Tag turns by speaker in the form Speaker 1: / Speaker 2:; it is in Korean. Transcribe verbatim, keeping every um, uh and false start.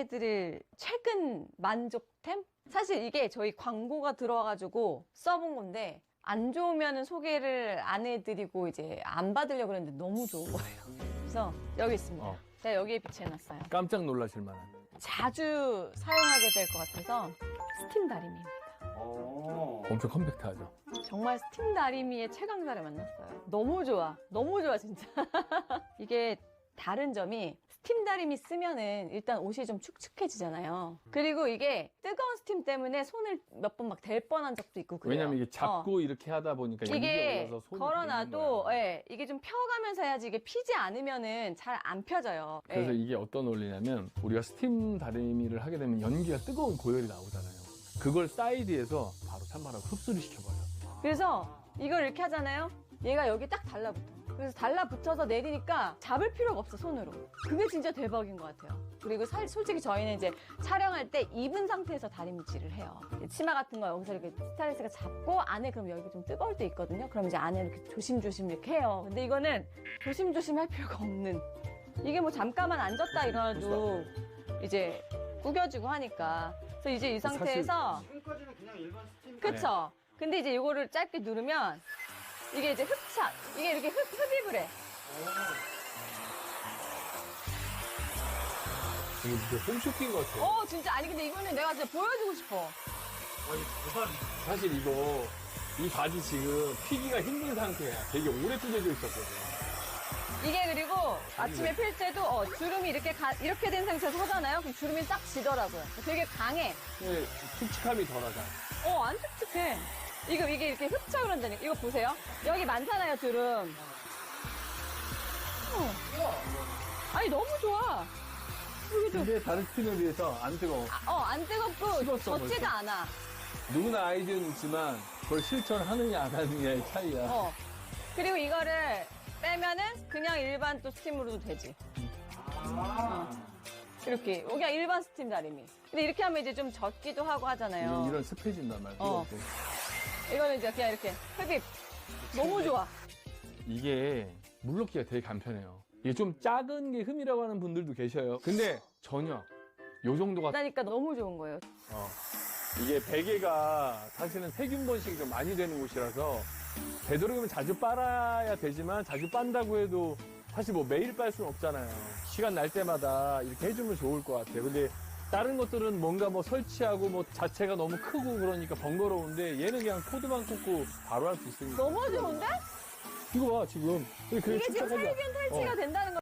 Speaker 1: 드릴 최근 만족템? 사실 이게 저희 광고가 들어와가지고 써본 건데 안 좋으면 소개를 안 해드리고 이제 안 받으려고 그랬는데 너무 좋은 거예요. 그래서 여기 있습니다.
Speaker 2: 어.
Speaker 1: 제가 여기에 비치해놨어요.
Speaker 2: 깜짝 놀라실 만한.
Speaker 1: 자주 사용하게 될 것 같아서 스팀 다리미입니다.
Speaker 2: 엄청 컴팩트하죠.
Speaker 1: 정말 스팀 다리미의 최강자를 만났어요. 너무 좋아. 너무 좋아 진짜. 이게 다른 점이 스팀 다리미 쓰면은 일단 옷이 좀 축축해지잖아요. 그리고 이게 뜨거운 스팀 때문에 손을 몇 번 막 댈 뻔한 적도 있고 그래요.
Speaker 2: 왜냐면 이게 잡고
Speaker 1: 어.
Speaker 2: 이렇게 하다 보니까
Speaker 1: 이게
Speaker 2: 연기가 올라서 손이
Speaker 1: 걸어놔도
Speaker 2: 걸리는
Speaker 1: 예, 이게 좀 펴가면서 해야지 이게 피지 않으면은 잘 안 펴져요. 예.
Speaker 2: 그래서 이게 어떤 원리냐면 우리가 스팀 다리미를 하게 되면 연기가 뜨거운 고열이 나오잖아요. 그걸 사이드에서 바로 찬바람 흡수를 시켜버려.
Speaker 1: 그래서 이걸 이렇게 하잖아요. 얘가 여기 딱 달라붙어. 그래서 달라붙어서 내리니까 잡을 필요가 없어, 손으로. 그게 진짜 대박인 것 같아요. 그리고 사, 솔직히 저희는 이제 촬영할 때 입은 상태에서 다리미질을 해요. 치마 같은 거 여기서 이렇게 스타일리스트가 잡고 안에 그럼 여기 좀 뜨거울 때 있거든요. 그럼 이제 안에 이렇게 조심조심 이렇게 해요. 근데 이거는 조심조심 할 필요가 없는. 이게 뭐 잠깐만 앉았다 일어나도 이제 구겨지고 하니까. 그래서 이제 이 상태에서
Speaker 3: 지금까지는 그냥 일반 스팀.
Speaker 1: 그쵸? 근데 이제 이거를 짧게 누르면 이게 이제 흡착, 이게 이렇게 흡, 흡입을 해.
Speaker 2: 이게 진짜 홈쇼핑 같아.
Speaker 1: 어, 진짜. 아니, 근데 이거는 내가 진짜 보여주고 싶어.
Speaker 3: 아니 대박.
Speaker 2: 사실 이거 이 바지 지금 피기가 힘든 상태야. 되게 오래 찢어져 있었거든.
Speaker 1: 이게 그리고 아침에 필 때도 어, 주름이 이렇게 가- 이렇게 된 상태에서 하잖아요? 그럼 주름이 딱 지더라고요. 되게 강해.
Speaker 2: 근데 툭툭함이 덜하잖아.
Speaker 1: 어, 안 촉촉해. 이거, 이게 이렇게 흡착을 한다니까. 이거 보세요. 여기 많잖아요, 주름. 어. 아니, 너무 좋아. 여기도.
Speaker 2: 근데 다른 스킨에 비해서 안 뜨거워.
Speaker 1: 아, 어, 안 뜨겁고
Speaker 2: 식었어,
Speaker 1: 젖지도
Speaker 2: 벌써.
Speaker 1: 않아.
Speaker 2: 누구나 아이디어는 있지만 그걸 실천하느냐 안 하느냐의 차이야.
Speaker 1: 어. 그리고 이거를 빼면은 그냥 일반 또 스팀으로도 되지. 어. 이렇게. 여기가 일반 스팀 다리미. 근데 이렇게 하면 이제 좀 젖기도 하고 하잖아요.
Speaker 2: 이런, 이런 습해진단 말이야.
Speaker 1: 어. 이거는 이제 그냥 이렇게 흡입. 너무 좋아.
Speaker 2: 이게 물넣기가 되게 간편해요. 이게 좀 작은 게 흠이라고 하는 분들도 계셔요. 근데 전혀 요 정도가
Speaker 1: 그러니까 너무 좋은 거예요.
Speaker 2: 어. 이게 베개가 사실은 세균 번식이 좀 많이 되는 곳이라서 되도록이면 자주 빨아야 되지만 자주 빤다고 해도 사실 뭐 매일 빨 수는 없잖아요. 시간 날 때마다 이렇게 해주면 좋을 것 같아요. 근데 다른 것들은 뭔가 뭐 설치하고 뭐 자체가 너무 크고 그러니까 번거로운데 얘는 그냥 코드만 꽂고 바로 할 수 있으니까.
Speaker 1: 너무 좋은데?
Speaker 2: 이거 봐 지금.
Speaker 1: 이게 지금 살균 탈취가
Speaker 2: 어.
Speaker 1: 된다는 거.